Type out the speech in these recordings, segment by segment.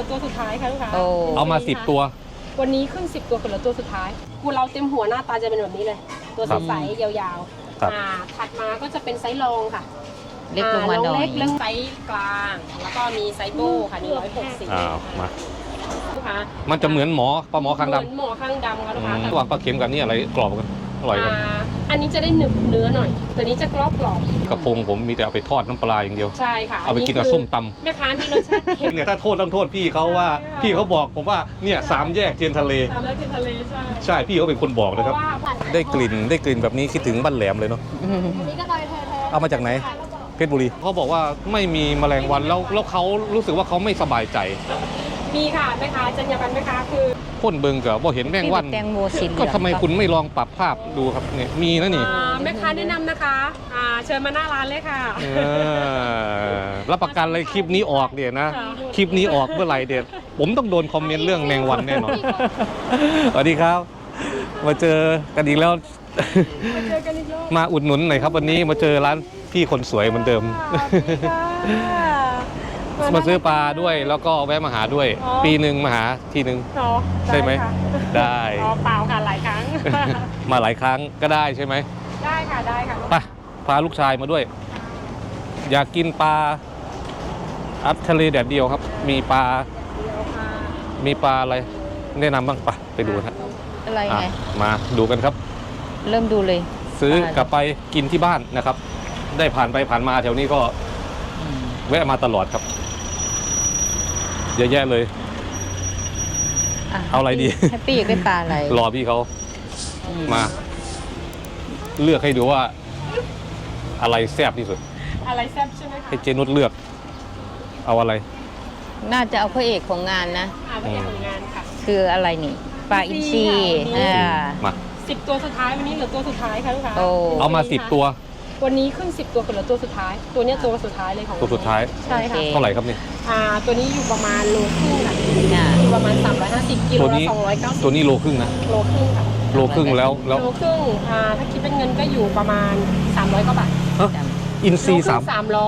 อตัวสุดท้ายค่ะลูกค้าเอามา10 ตัววันนี้ขึ้น10 ตัวเหลือตัวสุดท้ายกูเราเต็มหัวหน้าตาจะเป็นแบบนี้เลยตัวใสๆยาวๆถัดมาก็จะเป็นไซส์รองค่ะเล็กลงมาหน่อยเล็กเรื่องไซส์กลางแล้วก็มีไซส์โบ้ค่ะ160 มาลูกค้ามันจะเหมือนปลาหมอคางดำเหมือนหมอข้างดำค่ะลูกค้าระหว่างปลาเค็มกับนี่อะไรกรอบกันอร่อยกันอันนี้จะได้หนึบเนื้อหน่อยตัวนี้จะกรอบกระพงผมมีแต่เอาไปทอดน้ำปลาอย่างเดียวใช่ค่ะเอาไปกินกับส้มตำแม่ค้าที่รสชาติเค็มเนี่ยถ้าโทษต้องโทษพี่เขาว่าพี่เขาบอกผมว่าเนี่ย3 แยกเทียนทะเล 3 แยกเทียนทะเลใช่พี่เขาเป็นคนบอกนะครับได้กลิ่นแบบนี้คิดถึงบ้านแหลมเลยเนาะอันนี้ก็ลอยแท้ๆเอามาจากไหนเพชรบุรีเขาบอกว่าไม่มีแมลงวันแล้วเขารู้สึกว่าเขาไม่สบายใจมีค่ะแม่ค้าจรรยาบรรณแม่ค้าคือพ่นเบิงกับว่าเห็นแมงวันก็ทำไมคุณไม่ลองปรับภาพดูครับเนี่ยมีนะนี่แม่ค้าแนะนำนะคะเชิญมาหน้าร้านเลยค่ะรับประกันเลยคลิปนี้ออกเนี่ยนะคลิปนี้ออกเมื่อไหร่เด็ดผมต้องโดนคอมเมนต์เรื่องแมงวันแน่นอนสวัสดีครับมาเจอกันอีกแล้วมาอุดหนุนหน่อยครับวันนี้มาเจอร้านพี่คนสวยเหมือนเดิมมาซื้อปลาด้วยแล้วก็แวะมาหาด้วยปีหนึ่งมาหาทีหนึ่งใช่ไหมได้เปล่าค่ะหลายครั้งมาหลายครั้งก็ได้ใช่ไหมได้ค่ะได้ค่ะไปพาลูกชายมาด้วยอยากกินปลาทะเลแดดเดียวครับมีปลาอะไรแนะนำบ้างไปดูนะอะไรไงมาดูกันครับเริ่มดูเลยซื้อกลับไปกินที่บ้านนะครับได้ผ่านไปผ่านมาแถวนี้ก็แวะมาตลอดครับเยอะแยะเลยเอาอะไรดีแฮปปี้อยากได้ปลาอะไรรอพี่เขามาเลือกให้ดูว่าอะไรแซ่บที่สุดอะไรแซ่บใช่ไหมคะให้เจนุชเลือกเอาอะไรน่าจะเอาพระเอกของงานนะพระเอกของงานค่ะคืออะไรนี่ปลาอินทรีมา 10 ตัวสุดท้ายวันนี้เหลือตัวสุดท้ายค่ะลูกค้าเอามา10 ตัววันนี้ขึ้น10 ตัวเหลือตัวสุดท้ายตัวนี้ตัวสุดท้ายเลยของตัวสุดท้ายใช่ค่ะเท่าไหร่ครับนี่ตัวนี้อยู่ประมาณโลครึ่งค่ะอยู่ประมาณ350กิโลละ290 ตัวนี้โลครึ่งนะโลครึ่งค่ะโลครึ่งแล้วโลครึ่งถ้าคิดเป็นเงินก็อยู่ประมาณ300 กว่าบาทอินซี 300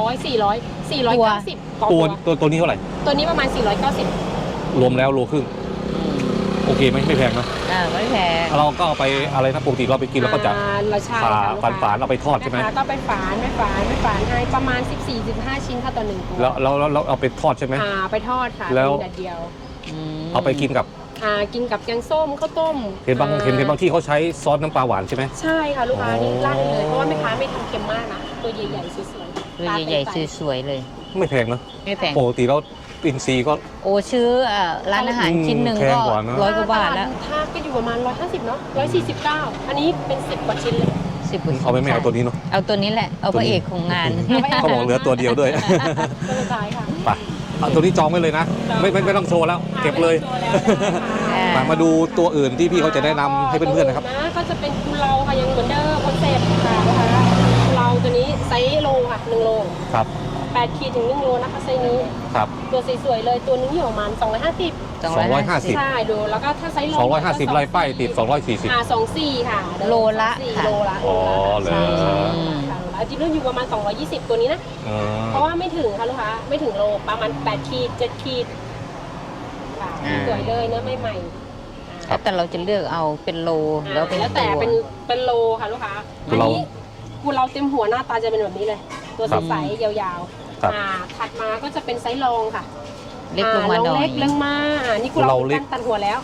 490 ตัวนี้เท่าไหร่ตัวนี้ประมาณ490 รวมแล้วโลครึ่งโอเคไหมไม่แพงนะไม่แพงเราก็เอาไปอะไรนะปกติเราไปกินแล้วก็จะฝานเอาไปทอดใช่ไหมก็ไปฝานให้ประมาณ14-15 ชิ้นค่ะต่อ1ตัวแล้วเอาไปทอดใช่ไหมไปทอดค่ะแล้วเดียวเอาไปกินกับแกงส้มข้าวต้มเห็นบางที่เขาใช้ซอสน้ำปลาหวานใช่ไหมใช่ค่ะลูกค้านี่ราดเลยเพราะว่าแม่ค้าไม่ทำเค็มมากนะตัวใหญ่ๆสวยๆตัวใหญ่ๆสวยๆเลยไม่แพงนะไม่แพงปกติแล้วอินซีก็ชื่อร้านอาหารชิ้นหนึ่งก็100 กว่าบาทแล้วถ้าก็อยู่ประมาณ150เนาะ149อันนี้เป็น10 กว่าชิ้นเลย 10 กว่าชิ้นเอาไม่เอาตัวนี้เนาะเอาตัวนี้แหละเอาพระเอกของงานเขาบอกเหลือตัวเดียวด้วยตัวสุดท้ายค่ะไปเอาตัวนี้จองไว้เลยนะไม่ต้องโชว์แล้วเก็บเลยมาดูตัวอื่นที่พี่เขาจะแนะนำให้เพื่อนๆนะครับก็จะเป็นกุเลาค่ะยังเหมือนเดิมคอนเซ็ปต์ค่ะนะคะกุเลาตัวนี้ไซส์โลค่ะ1 โลครับ 8 ขีดถึง1 โลนะคะไซส์นี้ครับตัวสวยๆเลยตัวนึงอยู่ประมาณ250ใช่ดูแล้วก็ถ้าไซส์โล 250ไล่ป้ายติด240 24ค่ะโลละอ๋อเลยจริงๆอยู่ประมาณ220ตัวนี้นะเพราะว่าไม่ถึงค่ะลูกค้าไม่ถึงโลประมาณ8 ขีด 7 ขีดสวยเลยเนื้อใหม่ๆแต่เราจะเลือกเอาเป็นโลแล้วแต่เป็นโลค่ะลูกค้าอันนี้กูเราเต็มหัวหน้าตาจะเป็นแบบนี้เลยตัวใสๆยาวๆถัดมาก็จะเป็นไซส์รองค่ะเล็กลงมาหน่อยเล็กลงมานี่กูเราตัดหัวแล้ว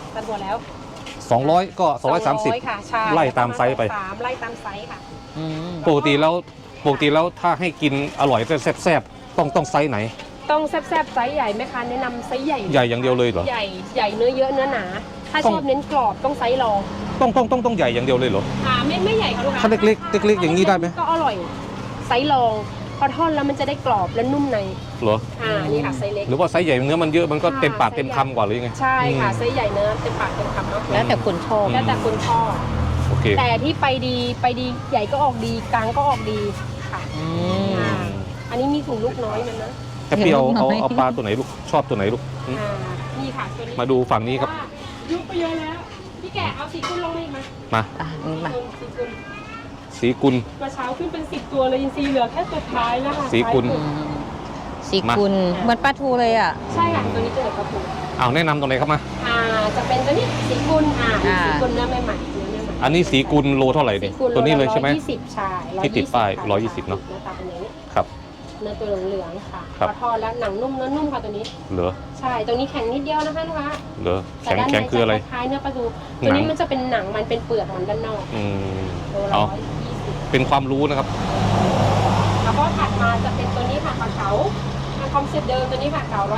200ก็230 ค่ะใช่ไล่ตามไซส์ไปไล่ตามไซส์ค่ะปกติแล้วถ้าให้กินอร่อยแซ่บๆต้องไซส์ไหนต้องแซ่บๆไซส์ใหญ่ไหมคะแนะนำไซส์ใหญ่อย่างเดียวเลยเหรอใหญ่เนื้อเยอะเนื้อหนาถ้าชอบเน้นกรอบต้องไซส์รองต้องใหญ่อย่างเดียวเลยเหรอไม่ใหญ่ค่ะลูกค้าถ้าเล็กอย่างนี้ได้ไหมก็อร่อยไซส์รองพอทอดแล้วมันจะได้กรอบและนุ่มในเหรอนี่ค่ะไซส์เล็กหรือว่าไซส์ใหญ่เนื้อมันเยอะมันก็เต็มปากเต็มคำกว่าหรือยังไงใช่ค่ะไซส์ใหญ่เนื้อเต็มปากเต็มคำเนาะแล้วแต่คนชอบโอเคแต่ที่ไปดีใหญ่ก็ออกดีกลางก็ออกดีค่ะอันนี้มีถุงลูกน้อยมันนะแค่เปรี้ยวเอาปลาตัวไหนลูกชอบตัวไหนลูกนี่ค่ะตัวนี้มาดูฝั่งนี้ครับยุบไปเยอะแล้วพี่แกเอาสีกุลลงมามาสีกุลกระเช้าขึ้นเป็น10 ตัวเลยอินซีเหลือแค่ตัวท้ายแล้วค่ะสีกุลสีกุลเหมือนปลาทูเลยอ่ะใช่ค่ะตัวนี้จะเหลือกระปุกเอาแนะนำตรงไหนครับมาจะเป็นตัวนี้สีกุลอ่าสีกุลเนื้อใหม่ๆเนื้อใหม่ๆอันนี้สีกุลโลเท่าไหร่เนี่ยสีกุลตัวนี้เลยใช่ไหม 120ใช่ที่ติดป้ายค่ะ 120เนอะหน้าตาเป็นอย่างนี้ครับเนื้อตัวเหลืองๆค่ะครับพอทอดแล้วหนังนุ่มเนื้อนุ่มค่ะตัวนี้เหลือใช่ตรงนี้แข็งนิดเดียวนะคะลูกค้าเหลือแต่แข็งด้านในแข็งคืออะไรจคล้ายๆเนื้อปลาทูหนังตัวนี้มันจะเป็นหนังมันเป็นเปลือกมันด้านนอกอืมโลละเอา 120 เป็นความรู้นะครับแล้วก็ถัดมาจะเป็นตัวนี้ค่ะปลาเก๋าคอมเซ็ปต์เดิมตัวนี้ค่ะเก๋า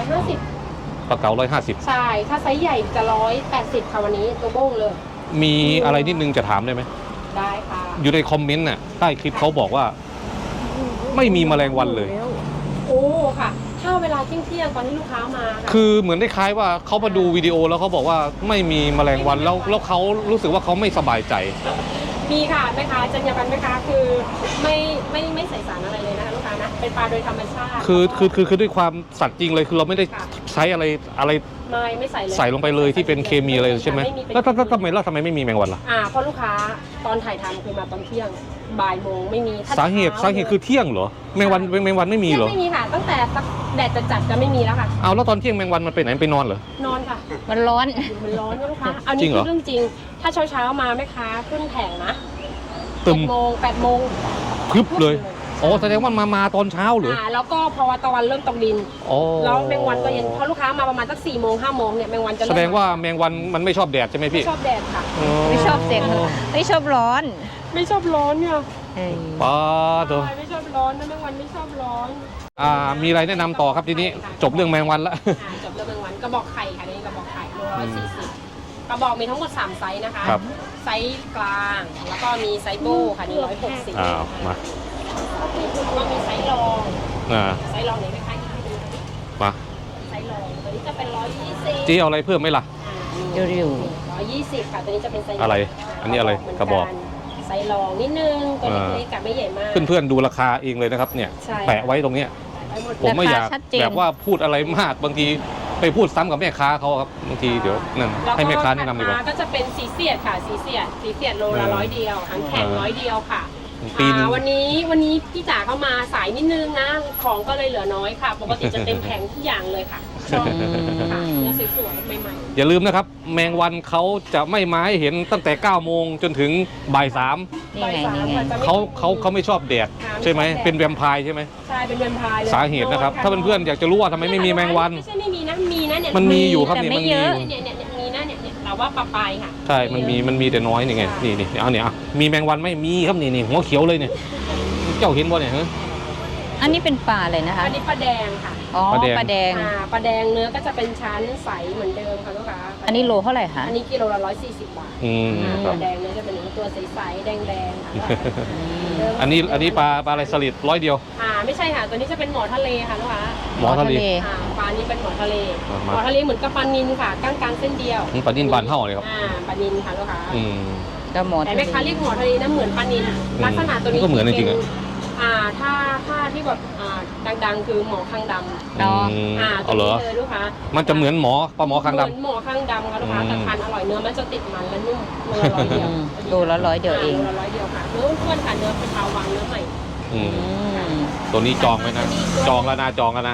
150 ปลาเก๋า150 ใช่ถ้าไซส์ใหญ่จะ180ค่ะวันนี้ตัวโบ้งเลยมีอะไรนิดนึงจะถามได้ไหมได้ค่ะอยู่ในคอมเมนต์น่ะใต้คลิปเขาบอกว่า ไม่มีแมลงวันเลยโอ้ค่ะ ถ้าเวลาเที่ยงๆตอนที่ลูกค้ามาค่ะคือเหมือนได้คล้ายว่าเขามาดูวิดีโอแล้วเขาบอกว่าไม่มีแมลงวันแล้วเขารู้สึกว่าเขาไม่สบายใจมีค่ะแม่ค้าจรรยาบรรณแม่ค้าคือไม่ใส่สารอะไรเลยนะคะลูกค้านะเป็นปลาโดยธรรมชาติคือด้วยความสัตย์จริงเลยคือเราไม่ได้ค่ะใช้อะไรไม่ใส่เลยใส่ลงไปเลยที่เป็นเคมีอะไรใช่ไหมไม่มีเป็นแล้วทำไมไม่มีแมงวันล่ะเพราะลูกค้าตอนถ่ายทำคือมาตอนเที่ยงบ่ายโมงไม่มีถ้สาเหตุคือเที่ยงเหรอแมงวันไม่มีเหรอไม่มีค่ะ ตั้งแต่แดดจัดๆจะไม่มีแล้วค่ะเอาแล้วตอนเที่ยงแมงวันมันไปไหนไปนอนเหรอนอนค่ะมันร้อนมันร้อนนะลูกค้าอันจรินี้งเหรคือ อเรื่องจริง ถ้าเช้ามาแม่ค้าขึ้นแผงนะตึม 8 โมงพรึบเลยอ๋อแสดงว่ามาตอนเช้าเหรอแล้วก็พอตะวันเริ่มตกดินอ๋อแล้วแมงวันก็เย็นเพราะลูกค้ามาประมาณสัก4 โมง 5 โมงเนี่ยแมงวันจะแสดงว่าแมงวันมันไม่ชอบแดดใช่ไหมไม่พี่ชอบแดดค่ะไม่ชอบเสียงไม่ชอบร้อนไม่ชอบร้อนเนี่ยเอ้ยป้าเถอะใช่ไม่ชอบร้อนนะแมงวันไม่ชอบร้อนมีอะไรแนะนำต่อครับทีนี้จบเรื่องแมงวันละจบเรื่องแมงวันกระบอกไข่ค่ะนี่กระบอกไข่โล140กระบอกมีทั้งหมด3ไซส์นะคะครับไซส์กลางแล้วก็มีไซส์โบ้ค่ะนี่160 มาแล้วก็มีไซส์รอง ไซส์รองไหนไหมคะให้ดูมาไซส์รองตัวนี้จะเป็น120 จี้เอาอะไรเพิ่มไหมล่ะอยู่ 120ค่ะตัวนี้จะเป็นไซส์อะไรอันนี้อะไรกระบอกไซส์รองนิดนึงตัวเล็กๆกับไม่ใหญ่มากเพื่อนๆดูราคาเองเลยนะครับเนี่ยใช่แปะไว้ตรงเนี้ยไปหมดผมไม่อยากราคาชัดเจนแบบว่าพูดอะไรมากบางทีไปพูดซ้ำกับแม่ค้าเขาครับบางทีเดี๋ยวนั่นให้แม่ค้าแนะนำดีกว่าแล้วก็จะเป็นสีเสียดค่ะสีเสียดโลละ100เดียวทั้งแข็ง100เดียวค่ะปีนึงวันนี้พี่จ๋าเข้ามาสายนิดนึงนะของก็เลยเหลือน้อยค่ะ ปกติจะเต็มแผงทุกอย่างเลยค่ะชอบค่ะเนื้อสวยๆใหม่อย่าลืมนะครับ แมงวันเขาจะไม่มาให้เห็นตั้งแต่9 โมงจนถึงบ่าย 3 นี่ไงนี่ไงเขาไม่ชอบแดดใช่ไหมเป็นแวมไพร์ใช่ไหมใช่เป็นแวมไพร์เลยสาเหตุนะครับ ถ้าเพื่อนๆอยากจะรู้ว่าทำไมไม่มีแมงวันไม่ใช่ไม่มีนะมีนะเนี่ยมันมีอยู่ครับแต่นี่ไม่มันมีเยออะยู่เนี่ยมีนะเนี่ยเราว่าปลาปลายค่ะใช่มันมีแต่น้อยนี่ไงนี่เอาเนี่ยมีแมงวันไหม่มีครับนี่หัวเขียวเลยเนี่ยเจ้าเห็นบ่เนี่ยฮะอันนี้เป็นปลาเลยนะคะอันนี้ปลาแดงค่ะอ๋อปลาแดงปลาแดงปลาแดงเนื้อก็จะเป็นชั้นใสเหมือนเดิมค่ะลูกค้าอันนี้โลเท่าไหร่คะอันนี้กิโลละ140 บาทคปรับลาแดงเนื้อจะเป็นตัวใสๆแดงๆค่ะอันนี้ปลาอะไรสลิด100 เดียวไม่ใช่ค่ะตัวนี้จะเป็นหมอทะเลค่ะลูกค้าหมอทะเลปลานี้เป็นหมอทะเลมาหมอทะเลเหมือนกับปลานิลค่ะก้างกลางเส้นเดียวปลานิ่นบานเท่าเลยครับปลานิลค่ะลูกค้าก็หมดแต่แม่ค้าเรียกหมอทะเลนะเหมือนปลานิลลักษณะตัวนี้ก็เหมือนจริงๆอะถ้าที่แบบดังๆคือหมอข้างดำเนาะเอาเหรอตัวนี้เลยลูกค้ามันจะเหมือนปลาหมอคางเหดำมือนหมอข้างดำค่ะลูกค้าแต่ทานอร่อยเนื้อมันจะติดมันและนุ่มโลละ100 เดียวโลละ100เดียวเองโลละ100 เดียวค่ะเนื้ออ้วนๆค่ะเนื้อเป็นเทาวังเนื้อใหม่อืมอืมตัวนี้จองไว้นะจองแล้วนะ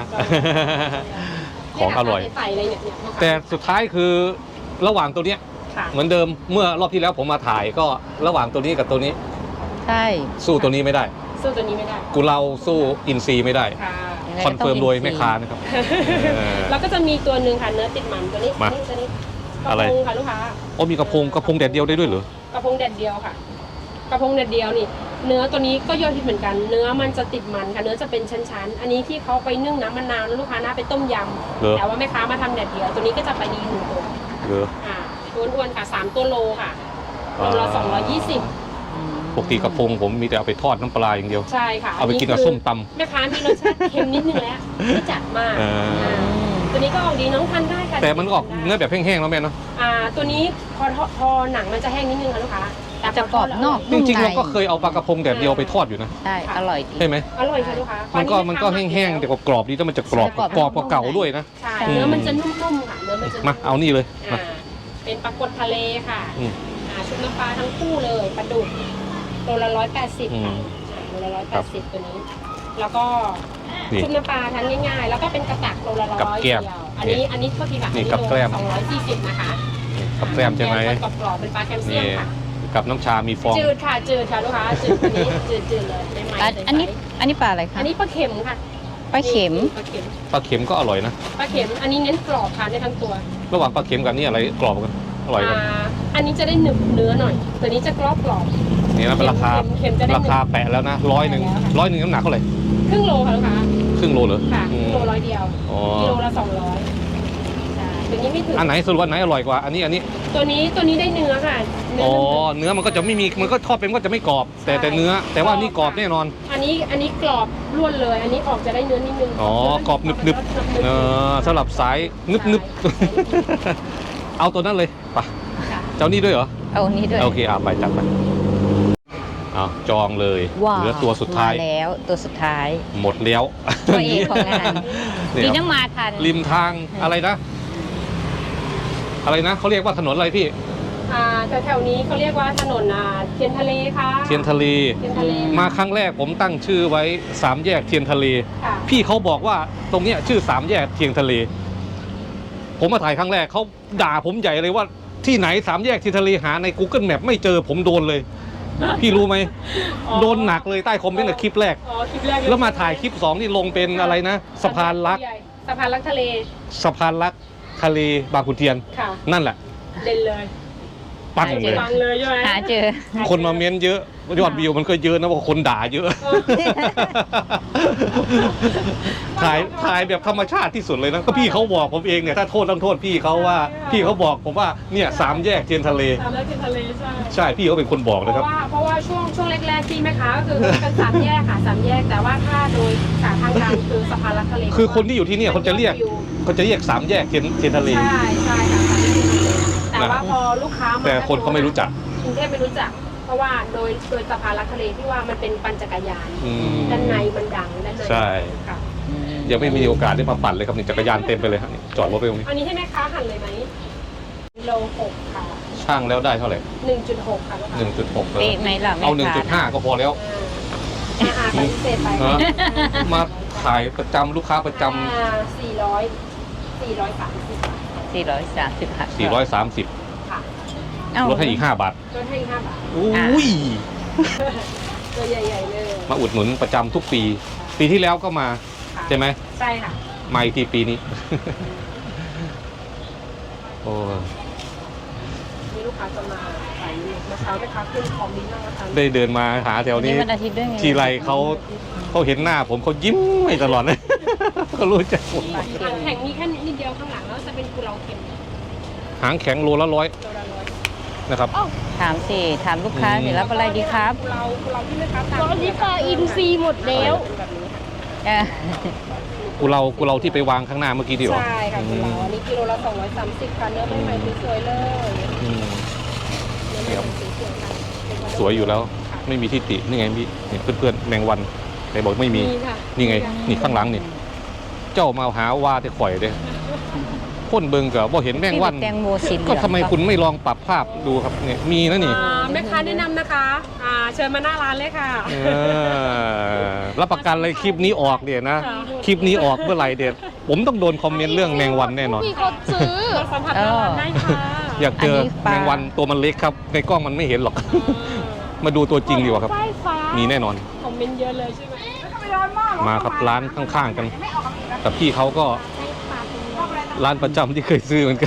ของอร่อยใส่เลยเนี่ยลูกค้าแต่สุดท้ายคือระหว่างตัวเนี้ยค่ะเหมือนเดิมเมื่อรอบที่แล้วผมมาถ่ายก็ระหว่างตัวนี้กับตัวนี้ใช่สู้ตัวนี้ไม่ได้สู้ตัวนี้ไม่ได้กูเราสู้อินซีย์ไม่ได้ค่ะยังไงคอนก็ต้งเฟิร์มโดยอินทรีแม่ค้านะครับเออแล้วก็จะมีตัวหนึ่งค่ะเนื้อติดมันตัวนี้มาตัวนี้กอะไรระพงค่ะลูกค้าโอ้มีกระพงแดดเดียวได้ด้วยเหรอกระพงแดดเดียวค่ะ กระพงแดดเดียวนี่ เนื้อตัวนี้ก็ยอดฮิตเหมือนกัน เนื้อมันจะติดมันค่ะเนื้อจะเป็นชั้นๆอันนี้ที่เขาไปนึ่งน้ำมะนาวแล้วลูกค้าน่าไปต้มยเหรอำแต่ว่าแม่ค้ามาทำแดดเดียวตัวนี้ก็จะไปดีหนึ่งตัวเหรออ้วนๆค่ะ3 ตัวโลค่ะโลละ220 อืมปกติกระพงผมมีแต่เอาไปทอดน้ำปลาอย่างเดียวใช่ค่ะเอาไปกินกับคืส้มตำแม่ค้ามีรสชาติเค็มนิดนึงแล้วไม่จัดมากเออตัวนี้ก็ออกดีน้องทานได้ค่ะแต่มันก็ออกเนื้อแบบแห้งๆแล้วแม่เนาะตัวนี้พอหนังมันจะแห้งนิดนึงค่ะลูกค้าแต่พจะกรอบนอกจนุ่มริงๆในเราก็เคยเอาปลากระพงแดดเดียวไปทอดอยู่นะใช่อร่อยดีใช่ไหมอร่อยค่ะลูกค้ามันก็แห้งๆแต่กรอบๆดีแต่มันจะกรอบใช่กรอบกว่าเก่าด้วยนะใช่เนื้อมันจะนุ่มๆค่ะเนื้อมันจะนุ่มาเอานี่เลยมาเป็นปลากดทะเลค่ะอืมชุบน้ำปลาทั้งคู่เลยปลาดุกตัวละ180 อืมค่ะตัวละครับ 180ตัวนี้ แล้วก็นี่ชุบน้ำปลาทานง่ายๆ แล้วก็เป็นกระตักโลละร้อยกับแก้มเดียวอันนี้เท่าที่ค่ะนี่กับแก้ม 240นะคะกับแกล้มใช่ไหมกรอบๆเป็นปลาแคลเซียนี่มค่ะกับน้ำชามีฟองจืดค่ะลูกค้าจืดอันนี้จืดเลยไม่ไหม้อันนี้ปลาอะไรคะอันนี้ปลาเข็มค่ะปลาเข็มปลาเข็มปลาเข็มก็อร่อยนะปลาเข็มอันนี้เน้นกรอบทานได้ทั้งตัวระหว่างปลาเข็มกับนี่อะไรกรอบกันอร่อยกันอันนี้จะได้หนึบเนื้อหน่อยตัวนี้จะกรอบนี่นะเป็นราคาเค็มจะได้ราคาแปะแล้วนะ100น้ำหนักเท่าไหร่ครึ่งโลค่ะลูกค้าครึ่งโลเหรอค่ะคอืรึ่งมโลร้อยเดียวอ๋อกิโลละ200ใช่ตัวนี้ไม่ถึงอันไหนสรุปว่าอันไหนอร่อยกว่าอันนี้ตัวนี้ได้เนื้อค่ะอ๋อเนื้เนื้อมันก็จะไม่มีมันก็ทอดเป็นก็จะไม่กรอบ แต่เนื้อแต่ว่านี่กรอบแน่นอนอันนี้กรอบล้วนเลย อันนี้ออกจะได้เนื้อนิดนึงอ๋อกรอบนึบสำหรับสายนึบเอาตัวนั้นเลยไปะค่ะเจ้านี่ด้วยเหรอเอาอันนี้ด้วยโอเคไปจัดไปเอาจองเลยว้าวเหลือตัวสุดท้ายมาแล้วตัวสุดท้ายหมดแล้วตัวเอกของงานเนี่ยดีน้ำมาทันริมทางอะไรนะเขาเรียกว่าถนนอะไรพี่แต่แถวนี้เขาเรียกว่าถนนเทียนทะเลค่ะเทียนทะเลเทียนทะเลมาครั้งแรกผมตั้งชื่อไว้3แยกเทียนทะเลค่ะพี่เขาบอกว่าตรงเนี้ยชื่อ3แยกเทียนทะเล ผมมาถ่ายครั้งแรกเขาด่าผมใหญ่เลยว่าที่ไหน3แยกเทียนทะเลหาใน Google Map ไม่เจอผมโดนเลย พี่รู้ไหม โดนหนักเลยใต้คอมเมนต์ในคลิปแรกคลิปแรกแล้วมาถ่ายคลิป2นี่ลงเป็นอะไรนะสะพานรักสะพานรักทะเลสะพานรักทะเลบางขุนเทียนค่ะนั่นแหละเด่นเลยปังเลยปังเลยใช่ไหมหาเจอคนมาเม้นเยอะยอดวิวมันก็เยอะนะเพราะคนด่าเยอะ ถ่ายแบบธรรมชาติที่สุดเลยนะก็พี่เขาบอกผมเองเนี่ยถ้าโทษต้องโทษพี่เขาว่าพี่เขาบอกผมว่าเนี่ย3แยกเทียนทะเลสามแยกเทียนทะเลใช่ใช่พี่เขาเป็นคนบอกนะครับเพราะว่าช่วงแรกๆที่แม่ค้าก็คือเป็นสามแยกค่ะสามแยกแต่ว่าถ้าโดยสาทางการคือสะพานรักทะเลคือคนที่อยู่ที่เนี่ยเขาจะเรียก3แยกเทียนทะเลใช่ค่ะแต่ว่าพอลูกค้ามาแต่คนเขาไม่รู้จักกรุงเทพไม่รู้จัก เพราะว่าโดยสะพานรักทะเลที่ว่ามันเป็นปั่นจักรยานอืมด้านในมันดังด้านในใช่ค่ะยังไม่มีโอกาสได้มาปั่นเลยครับนี่จักรยานเต็มไปเลยครับนี่จอดรถไปตรงนี้อันนี้ให้แม่ค้าหั่นเลยไหมโล6ค่ะช่างแล้วได้เท่าไหร่ 1.6 ค่ะลูกค้า 1.6 เป๊ะไหมล่ะเอาแม่ค้า 1.5 ก็พอแล้วปฏิเสธไปฮะ มาขายประจำลูกค้าประจำ 430 430ค่ะ 430 ค่ะเอ้าลดให้อีก5 บาทลดให้อีก5 บาทอุ้ยตัวใหญ่ๆเลยมาอุดหนุนประจำทุกปี ปีที่แล้วก็มาค่ะใช่ไหมใช่ค่ะมาอีกทีปีนี้ โอ้มีลูกค้าจะมาขายเมื่อเช้าแม่ค้าขึ้นของดีมากนะคะได้เดินมาหาแถวนี้วันอาทิตย์ด้วยไงทีไรเขาเห็นหน้าผมเขายิ้มไม่ตลอดเลย เขารู้จักผมหางแข็งมีแค่นิดเดียวข้างหลังแล้วจะเป็นกุเลาเค็มหางแข็งโลละ100 โลละ100 นะครับถามลูกค้าสิรับอะไรดีครับกุเลาที่แม่ค้าทำตอนนี้ปลาอินทรีหมดแล้วเป็นแบบนี้ค่ะเออกูเราที่ไปวางข้างหน้าเมื่อกี้ดีกว่าใช่ค่ะกุเลาอันนี้กิโลละ230ค่ะเนื้อใหม่ๆสวยๆเลยอืมเนื้อใหม่ๆสวยๆค่ะเป็นกระดูกสวยอยู่แล้ว ไม่มีที่ตินี่ไงพี่นี่เพื่อนๆแมงวันใครบอกไม่มีค่ะนี่ไง นี่ข้างหลังนี่เจ้ามาหาว่าแต่ข่อยเด้พ่นเบิงกับบ่เห็นแมงวันแตงโมสีเหลืองก็ทำไมคุณไม่ลองปรับภาพดูครับเนี่ยมีนะนี่แม่ค้าแนะนำนะคะเชิญมาหน้าร้านเลยค่ะรับประกันเลยคลิปนี้ออกเนี่ยนะ คลิปนี้ออกเมื่อไหร่เด็ดผมต้องโดนคอมเมนต์เรื่องแมงวันแน่นอนมีคนซื้อมาสัมผัสหน้าร้านได้ค่ะอยากเจอแมงวันตัวมันเล็กครับ ในกล้องมันไม่เห็นหรอก มาดูตัวจริงดีกว่าครับ มีแน่นอนคอมเมนต์เยอะเลยใช่ไหมมาครับร้านข้างๆกันแต่พี่เขาก็ร้านประจำที่เคยซื้อเหมือนกัน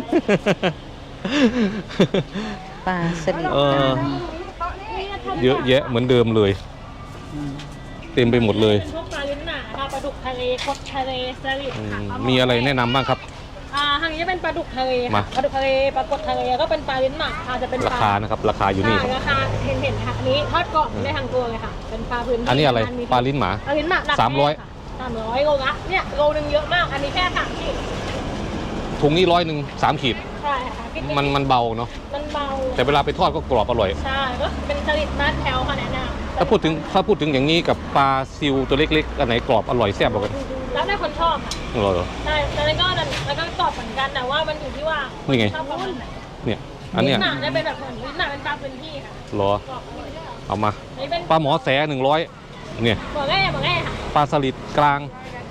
ปลาสลิดเออเยอะแยะเหมือนเดิมเลย เต็มไปหมดเลยเป็นพวกปลาลิ้นหนาปลาดุกทะเลคดทะเลสลิดอืค่ะมมีอะไรแนะนำบ้างครับทางนี้จะเป็นปลาดุกทะเลมาค่ะปลาดุกทะเลปลากดทะเลก็เป็นปลาลิ้นหนาค่ะจะเป็นราคานะครับ ราคาอยู่นี่ครับราคาเห็นค่ะอันนี้ทอดกรอบได้ทางตัวเลยค่ะ เป็นปลาพื้นที่อันนี้อะไรมีปลาลิ้นหมาปลาลิ้นหมา 300 300โลละเนี่ยโลนึงเยอะมาก อันนี้แค่3ขีดถุงนี้100 3 ขีดใช่ค่ะพี่ติ๊กมันเบาเนาะมันเบาแต่เวลาไปทอดก็กรอบอร่อยใช่ก็เป็นสลิดบ้านแถวค่ะแนะนำถ้าพูดถึงอย่างนี้กับปลาซิวตัวเล็กๆอันไหนกรอบอร่อยแซ่บกว่ากันแล้วแต่คนชอบค่ะเหรอใช่แล้วก็กรอบเหมือนกันแต่ว่ามันอยู่ที่ว่านี่ไงชอบประมาณไหนเนี่ยอันเนี้ยลิ้นหนาเนี่ยเป็นแบบเหมือนลิ้นหนาเป็นปลาพื้นที่ค่ะเหรอกรอบอร่อยเอามาอันนี้เป็นปลาหมอแส100 เนี่ยบอกง่ายค่ะปลาสลิดกลาง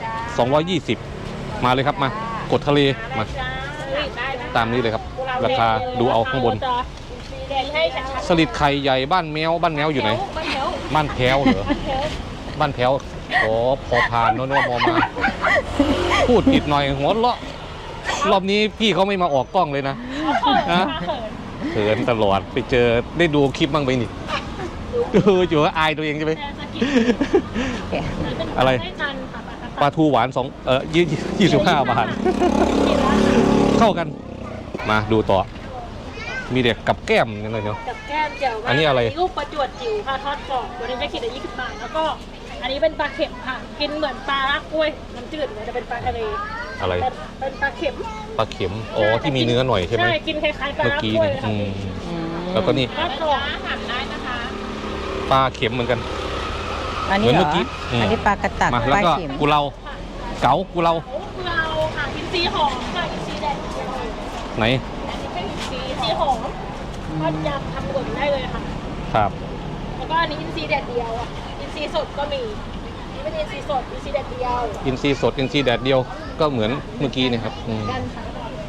220 มาเลยครับมากดทะเลมาได้นะตามนี้เลยครับ ราคาดูเอาข้างบนแดงให้ชัดสลิดไข่ใหญ่บ้านแมวอยู่ไหนบ้านแถวบ้านแพ้วเหรอบ้านแถวบ้านแพ้วโอ้พอผ่านโน่นมอมา พูดผิดหน่อยหัวเราะรอบนี้พี่เขาไม่มาออกกล้องเลยนะ นะเขินเขินตลอดไปเจอได้ดูคลิปบ้างไปนี่ดูอยู่ว่าอายตัวเองใช่ไหมแต่สกิลอะไรให้ทันค่ะปลาทูหวาน25 บาท เข้ากันมาดูต่อ มีเด็กกับแก้มนี่เลยเนาะกับแก้มเจียวอันนี้อะไรลูกปลาจวดจิ๋วค่ะทอดกรอบตัวนี้จะขีดละ20 บาทแล้วก็อันนี้เป็นปลาเข็มค่ะกินเหมือนปลากล้วยน้ำจืดเหมือนจะเป็นปลาทะเลอะไรเป็นปลาเข็มปลาเข็มอ๋อที่มีเนื้อหน่อยใช่ไหมใช่กินคล้ายๆปลาเมื่อกี้กล้วยเนี่ยเลยค่ะแล้วก็นี่ทอดกรอบหั่นได้นะคะปลาเข็มเหมือนกันอันนี้เหรเหมือนเมื่ออกี้อืมอันนี้ปลากระตักมาปแล้วลาก็เข็มกุเราเก๋ากุเราโอ้เราค่ะอินทรีย์หอมค่ะอินทรีย์แดดเดียวไหนอันนี้เป็นอินทรีย์หอมทอดยำทำหล่นได้เลยค่ะครับแล้วก็อันนี้อินทรีย์แดดเดียวอ่ะอินทรีย์สดก็มีนี่เป็นอินทรีย์สดอินทรีย์แดดเดียวอินทรีย์สดอินทรีย์แดดเดียวก็เหมือนเมื่อกี้เนะครับกันค่ะ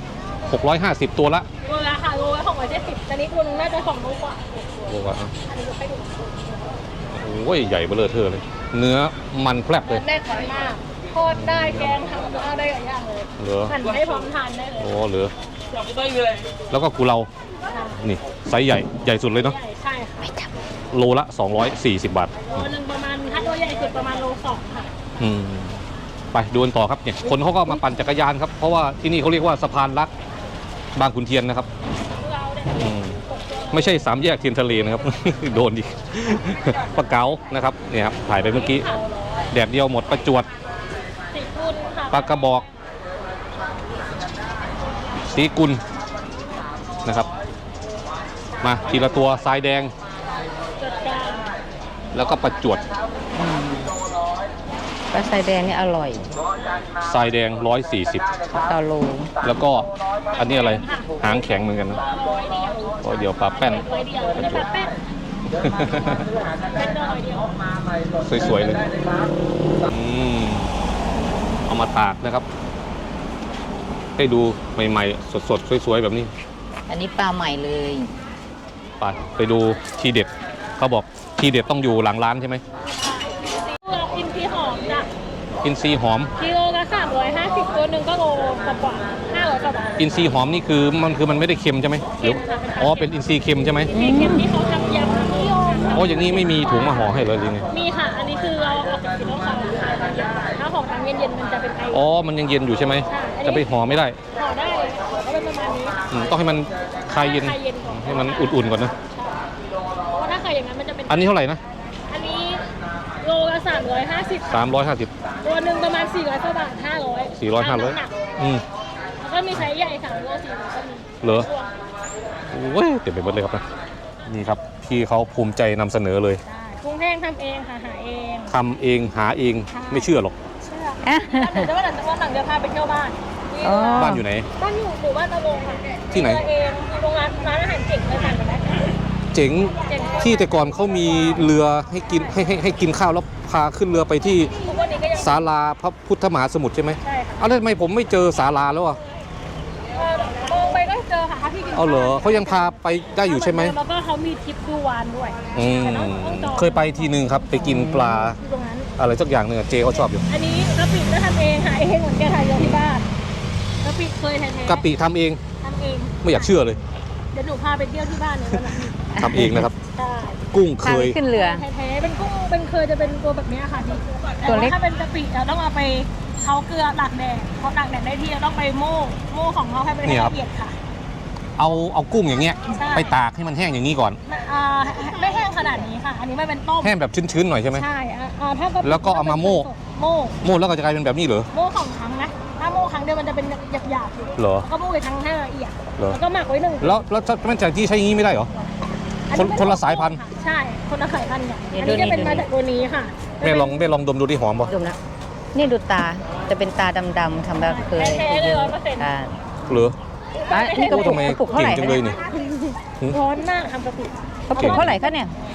650 ตัวละโลละค่ะโลละ270ตอนนี้ตัวนึงน่าจะ2 โลกว่าโอ้โหอันนี้ก็ไปดูโอ้ยใหญ่เบ้อเร่อเทอเลย เนื้อมันแพรบเลยแน่นมากทอดได้แกงทำได้หลายอย่างเลยเหลือหั่นให้พร้อมทานได้เลยโอ้เหลือแล้วก็กุเรานี่ไซส์ใหญ่สุดเลยเนาะใหญ่ใช่ค่ะโลละ240 บาทโลนึงประมาณถ้าตัวใหญ่สุดประมาณโล 2ค่ะอืมไปดูกันต่อครับเนี่ยคนเขาก็มาปั่นจักรยานครับเพราะว่าที่นี่เขาเรียกว่าสะพานรักบางขุนเทียนนะครับเราเนี่ยอืมไม่ใช่3 แยกเทียนทะเลนะครับ โดนดิ ปลาเก๋านะครับเนี่ยครับถ่ายไปเมื่อกี้แดดเดียวหมดประจวดสีกุลค่ะปลากระบอกสีกุลนะครับ มาทีละตัวทรายแดงจัดการแล้วก็ประจวดปลาไซแดงนี่อร่อยทรายแดง140 ต่อโลแล้วก็อันนี้อะไรหางแข็งเหมือนกันนะร้อยเดียวเดี๋ยวปลาแป้นร้อยเดียวจะแบบแป้นเป็นร้อยเดียวสวยๆเลยเอามาตากนะครับ ให้ดูใหม่ๆสดๆสวยๆแบบนี้อันนี้ปลาใหม่เลยไปดูทีเด็ดเขาบอกทีเด็ดต้องอยู่หลังร้านใช่ไหมอินทรีย์หอมจ้ะอินทรีย์หอมกิโลละ350ตัวหนึ่งก็โลกว่า500กว่าบาทอินทรีย์หอมนี่คือมันไม่ได้เค็มใช่ไหมหรืออ๋อเป็นอินทรีย์เค็มใช่ไหมมีเค็มที่เขาทำยำนิยมอ๋ออย่างนี้ไม่มีถุงมาห่อให้เลยหรือไงมีค่ะ อันนี้คือเราออกจากกินแล้วเขาขายตอนเย็นถ้าของทางเย็นๆมันจะเป็นไออ๋อมันยังเย็นอยู่ใช่ไหมจะไปห่อไม่ได้ห่อได้ก็เป็นประมาณนี้ต้องให้มันคลายเย็นคลายเย็นก่อนให้มันอุ่นๆก่อนนะเพราะว่าถ้าใครอย่างนั้นมันจะเป็นอันนี้เท่าไหร่นะอันนี้โลละ350 350 ตัวหนึ่งประมาณ400กว่าบาท500 400 500 แล้วก็มีไซส์ใหญ่3 โล 400ก็มีเหรอโอ้ยเต็มไปหมดเลยครับนะนี่ครับพี่เขาภูมิใจนำเสนอเลยได้กรุงเทพทำเองค่ะหาเองทำเองหาเองไม่เชื่อหรอกเชื่อเดี๋ยววันหลังจะพาไปเที่ยวบ้านอ๋อบ้านอยู่ไหนบ้านอยู่หมู่บ้านตะวงค่ะที่ไหนเองมีโรงร้านอาหารเจ๋งเลยสั่งกันได้เจ๋งเจ๋งที่แต่ก่อนเขามีเรือให้กินให้กินข้าวแล้วพาขึ้นเรือไปที่ทุกวันนี้ก็ยังศาลาพระพุทธมหาสมุทรใช่ไหมใช่ค่ะเอาแล้วทำไมผมไม่เจอศาลาแล้วอ่ะมองไปก็เจอค่ะพี่กินเอาเหรอเขายังพาไปได้อยู่ใช่ไหมแล้วก็เขามีทริปดูวานด้วยอืมแต่ต้องจองเคยไปทีนึงครับไปกินปลาอยู่ตรงนั้นอะไรสักอย่างหนึ่งอะเจเขาชอบอยู่อันนี้กะปิก็ทำเองหาเองเหมือนกันค่ะอยู่ที่บ้านกะปิเคยแท้ๆกะปิทำเองทำเองไม่อยากเชื่อเลยเดี๋ยวหนูพาไปเที่ยวที่บ้านเนี่ยวันนั้นทำเองนะครับใช่กุ้งเคพาย ขึ้นเรือแท้ๆเป็นกุ้งเป็นเคยจะเป็นตัวแบบเนี้ยค่ะพี่แต่ตัวเล็ว่าก ถ้าเป็นกะปิเราต้องเอาไปเขาเกลือตากแดดพอตากแดดได้ที่เราต้องไปโม่ของเขาให้เป็นนี่ครับละเอียดค่ะเอากุ้งอย่างเงี้ยใช่ไปตากให้มันแห้งอย่างนี้ก่อนไม่แห้งขนาดนี้ค่ะ อันนี้ไม่เป็นต้มแห้งแบบชื้นๆหน่อยใช่ไหมใช่ถ้ากะปิแล้วก็เอามาโม่โม่โม่แล้วก็จะกลายเป็นแบบนี้เหรอโม่สองครั้งนะถ้าโม่ครั้งเดียวมันจะเป็นหยาบๆอยู่เหรอแล้วก็โม่อีกครั้งให้ละเอียดเหรอแล้วก็หมักไว้1 แล้วมันจะที่ใช้อย่างนี้ไม่ได้เหรออัเป็คนละสายพันธุ์ใช่คนละสายพันธุ์เนี่ยเดี๋อัยวนนี้จะเป็นดูนี่มาจากตัวนี้ค่ะแม่ลองดมดูที่หอมป่ะดมนะนี่ดูตา จะเป็นตาดำๆทำแบบเคยแท้ๆเลย100% อ่าเหรออ่ะนี่กระโอ้ปุทำกไมกระปุกเท่าเก่ไหงร่จังเลยนี่ร้อนมากทำกะปิกระปุกเท่าไหร่คะเนี่ย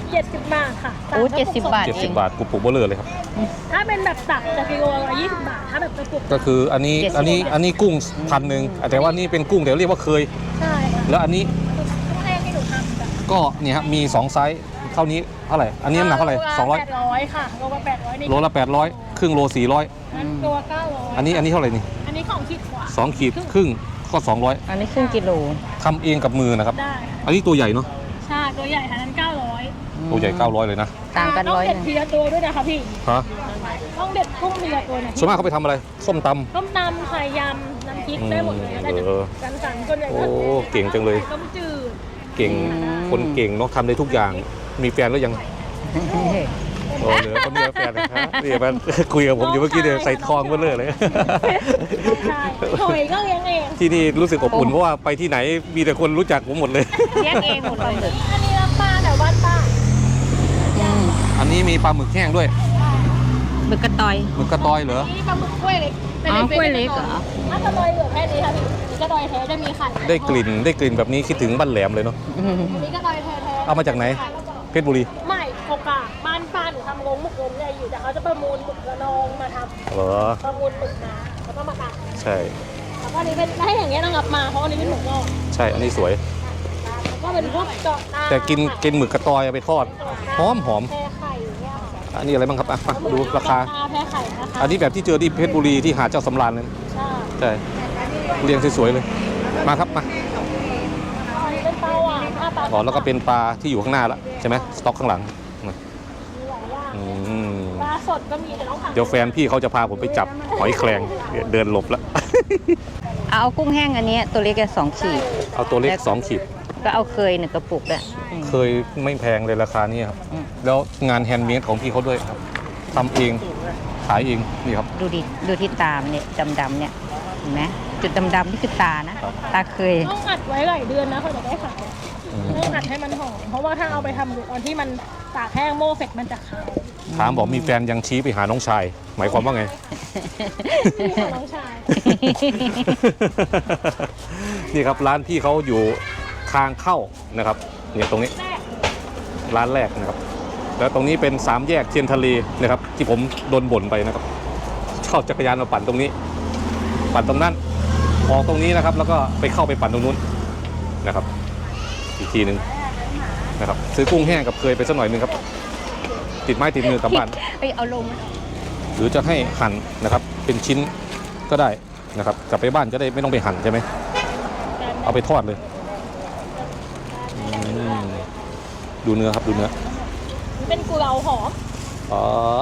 70 บาทค่ะโอ้70 บาท 70 บาทกูปลูกเบลเลอร์เลยครับถ้าเป็นแบบตักจะกิโลละ20 บาท ถ้าแบบกระปุกก็คืออันนี้กุ้ง1,000แต่ว่านี่เป็นกุ้งแต่เรียกว่าเคยใช่ค่ะแล้วอันนี้กุ้งแห้งที่หนูทำจ้ะก็เนี่ยครับมี2ไซส์เท่านี้เท่าไหร่อันนี้น้ำหนักเท่าไหร่ 800ค่ะโลละ800นี่ 200โลละ800ครึ่งโล400 นั้นตัว900 อันนี้เท่าไหร่นี่อันนี้ของขีดกว่า 2 ขีดครึ่งก็200 อันนี้ครึ่งกิโลทำเองกับมือนะครับได้อันนี้ตัวใหญ่เนาะใช่ตัวใหญ่ค่ะนั้น900 ตัวใหญ่900เลยนะต่างกันต้อง 100 เด็ดนึงทีละตัวด้วยนะคะพี่ฮะต้องเด็ดกุ้งทีละตัวเนี่ยส่วนมากเขาไปทำอะไรส้มตำต้มตำไข่ยำน้ำพริกได้หมดเลยได้จาก กันสันส่วนใหญ่โอ้ก็เก่งจังเลยต้มจืดเก่งคนเก่งเนาะทำได้ทุกอย่างมีแฟนแล้วยังโอ้เหลือคนเดียวแฟนนะครับนี่มันคุยกับผมอยู่เมื่อกี้เดี๋ยวใส่ทองเบลเลอร์เลยใช่หอยก็เลี้ยงเองที่นี่รู้สึกอบอุ่นเพราะว่าไปที่ไหนมีแต่คนรู้จักผมหมดเลยเลี้ยงเองหมดเลยอันนี้รับปลาแต่บ้านป้าอันนี้มีปลาหมึกแห้งด้วยหมึกกระตอยหมึกกระตอยเหรอนี่ปลาหมึกกล้วยเล็กอ๋อกล้วยเล็กเหรอถ้ากระดอยเหลือแค่นี้ค่ะพี่นี่กระดอยแท้จะมีไข่ได้กลิ่นแบบนี้คิดถึงบ้านแหลมเลยเนาะอันนี้กระดอยแท้เอามาจากไหน เพชรบุรีไม่โอกาบ้านป้าหนูทำโรงหมึกเงินใหญ่อยู่แต่เขาจะประมูลหมึกระนองมาทเหรอำประมูลหมึกมาแล้วก็มาตัดใช่แล้วก็อันนี้เป็นได้อย่างเงี้ยต้องรับมาเพราะอันนี้เป็นหมึกงอกใช่อันนี้สวยแล้วก็เป็นพวกเจาะตาแต่กินหมึกกระตอยเอาไปทอดหอมแพ้ไข่อย่างเงี้ยค่ะอันนี้อะไรบ้างครับอ่ะมาดูราคาแพ้ไข่นะคะอันนี้แบบที่เจอที่เพชรบุรีที่หาดเจ้าสำราญเลยใช่ใช่เรียงสวยๆเลยมาครับมาอันนี้เป็นปลาหวานปลาอ๋อแล้วก็เป็นปลาที่อยู่ข้างหน้าละใช่ไหมสต็อกข้างหลังมามีหลายอย่างอืมปลาสดก็มีแต่ต้องสั่งเดี๋ยวแฟนพี่เขาจะพาผมไปจับหอยแครงเดินหลบแล้วเอากุ้งแห้งอันนี้ตัวเล็ก2 ขีดเอาตัวเล็ก2 ขีดก็เอาเคย1 กระปุกด้วยเคยไม่แพงเลยราคานี้ครับอืมแล้วงานแฮนด์เมดของพี่เขาด้วยครับทำเองขายเองนี่ครับดูที่ตามเนี่ยดำๆเนี่ยเห็นไหมจุดดำๆนี่คือตานะ ตาเคยต้องอัดไว้หลายเดือนนะเขาจะได้ขายต้องอัดให้มันหอมเพราะว่าถ้าเอาไปทำตอนที่มันตากแห้งโม่เสร็จมันจะขาวถามบอกมีแฟนยังชี้ไปหาน้องชาย หมายความว่าไงนี่ของน้องชายนี่ครับร้านพี่เขาอยู่ทางเข้านะครับเนี่ยตรงนี้แรกร้านแรกนะครับ แล้วตรงนี้เป็น3 แยกเทียนทะเลนะครับ ที่ผมโดนบ่นไปนะครับชอบจักรยานมาปั่นตรงนี้ ปั่นตรงนั้นออกตรงนี้นะครับ แล้วก็ไปเข้าไปปั่นตรงนู้นนะครับ อีกทีหนึ่งนะครับซื้อกุ้งแห้งกับเคยไปสักหน่อยหนึงครับ ติดไม้ติดมือกลับบ้านเอ้ยเอาลงหรือจะให้หั่นนะครับ เป็นชิ้นก็ได้นะครับ กลับไปบ้านจะได้ไม่ต้องไปหั่นใช่ไหมเอาไปทอดเลยอืมดูเนื้อครับดูเนื้อเป็นกุเลาหอมอ๋อ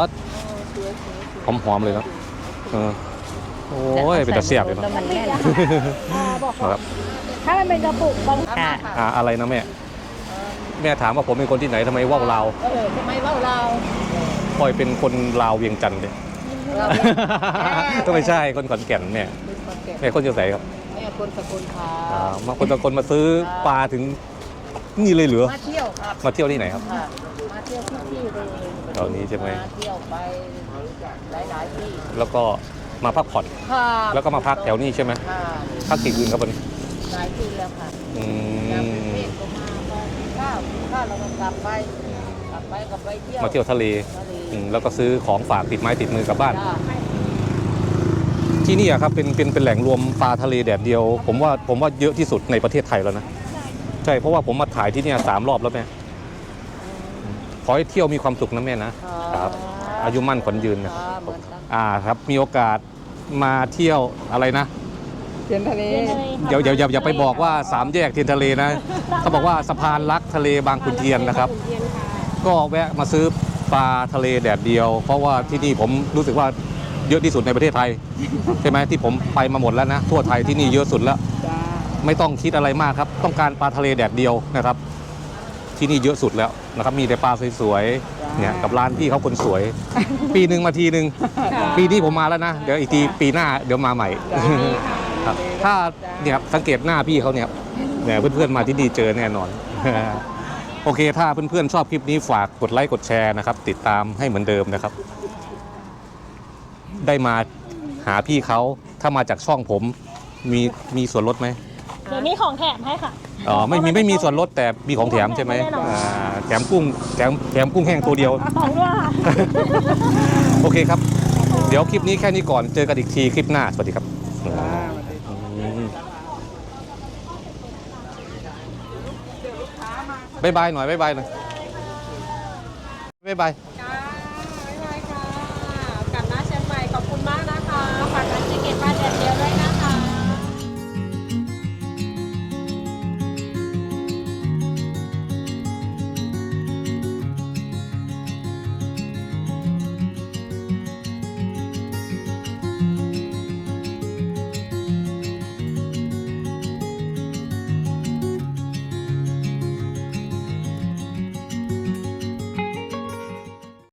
หอมๆเลยนะเออโอ้ยเป็นตะเสียบเลยเนแล้อะวมันแน่นบอกครับถ้ามันเป็นกระปุกบางค่ะอะไรนะแม่ แม่ถามว่าผมเป็นคนที่ไหนทำไมว่าวลาวทำไมว่าเราปอยเป็นคนลาวเวียงจันทร์เลย ก็ไม่ใช่คนขอนแก่นแม่แม่คนจะใส่ครับแม่คนสกลค่ะมาคนตะคนมาซื้อปลาถึงนี่เลยเหรอมาเที่ยวครับมาเที่ยวที่ไหนครับค่ะมาเที่ยวทุกที่เลยแถวนี้ใช่ไหมมาเที่ยวไปหลายๆที่แล้วก็มาพักผ่อนค่ะแล้วก็มาพักแถวนี้ใช่ไหมค่ะพักกี่คืนครับวันนี้หลายที่แล้วค่ะอืจากกรุงมเทพก็มาข้าวเราก็กลับไปเที่ยวมาเที่ยวทะเลทะเลแล้วก็ซื้อของฝากติดไม้ติดมือกลับบ้านจ้าที่นี่อะครับเป็นแหล่งรวมปลาทะเลแดดเดียว ผมว่าเยอะที่สุดในประเทศไทยแล้วนะใช่เพราะว่าผมมาถ่ายที่เนี่ย3 รอบแล้วแม่ขอให้เที่ยวมีความสุขนะแม่นะครับอายุมั่นขวัญยืนนะค่ะเหมือนกันครับมีโอกาสมาเที่ยวอะไรนะเที่ยวทะเลอย่าไปบอกว่า3 แยกเทียนทะเลนะเขาบอกว่าสะพานรักทะเลบางขุนเทียนนะครับขุนเทียนค่ะก็แวะมาซื้อปลาทะเลแดดเดียว เพราะว่าที่นี่ผมรู้สึกว่าเยอะที่สุดในประเทศไทย ใช่ไหมที่ผมไปมาหมดแล้วนะทั่วไทยที่นี่เยอะสุดแล้วจ้าไม่ต้องคิดอะไรมากครับ ต้องการปลาทะเลแดดเดียวนะครับ ที่นี่เยอะสุดแล้วนะครับ มีแต่ปลาสวยๆเนี่ยกับร้านพี่เขาคนสวย ปีหนึ่งมาทีหนึ่งปีนี้ผมมาแล้วนะเดี๋ยวอีกทีปีหน้าเดี๋ยวมาใหม่ครับถ้าเนี่ยสังเกตหน้าพี่เขาเนี่ยเพื่อนๆมาที่นี่เจอแน่นอน โอเค ถ้าเพื่อนๆชอบคลิปนี้ฝากกดไลค์กดแชร์นะครับ ติดตามให้เหมือนเดิมนะครับ ได้มาหาพี่เขาถ้ามาจากช่องผมมีส่วนลดไหมเดี๋ยวนี้ของแถมให้ค่ะอ๋อไม่มีส่วนลดแต่มีของแถมใช่ไหมแน่นอนอ่าแถมกุ้งแถมกุ้งแห้งตัวเดียวของด้วยค่ะโอเคครับ เดี๋ยวคลิปนี้แค่นี้ก่อนเจอกันอีกทีคลิปหน้าสวัสดีครับบ๊ายบายหน่อยบ๊ายบายหน่อยบ๊ายบาย